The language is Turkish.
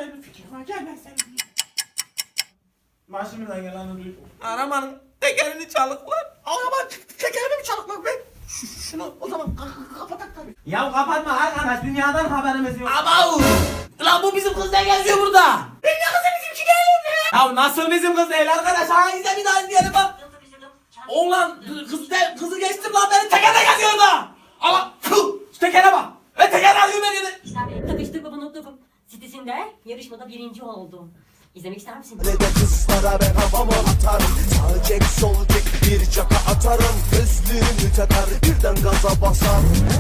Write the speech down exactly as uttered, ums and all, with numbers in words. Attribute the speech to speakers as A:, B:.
A: güzel bir fikir var. Gel ben seni diyeyim. Başımdan geleni duydum.
B: Arabanın tekerini çalıklar.
A: Araba tekerini mi çalıkmak be? Ş- Şunu o zaman ka- kapatak tabii.
B: Ya kapatma arkadaş, dünyadan haberimiz yok.
C: Abav! Lan bu bizim kız ne geziyor burada?
A: Ben ne kızı bizimki değil ya.
B: Ya nasıl bizim kız değil arkadaş? Hangisi bir daha izleyelim bak.
C: Oğlan kız de, kızı geçtim lan beni tekerde geziyor da.
B: Ama tüh, şu tekere bak. Ve teker alıyor beni de.
D: İşte takıştık baba nokta.com sitesinde yarışmada birinci oldum. İzlemek ister misin?
E: Ne de kızlara ben havamı atarım. Sağ çek sol çek bir çaka atarım. Gözlüğümü takar birden gaza basar.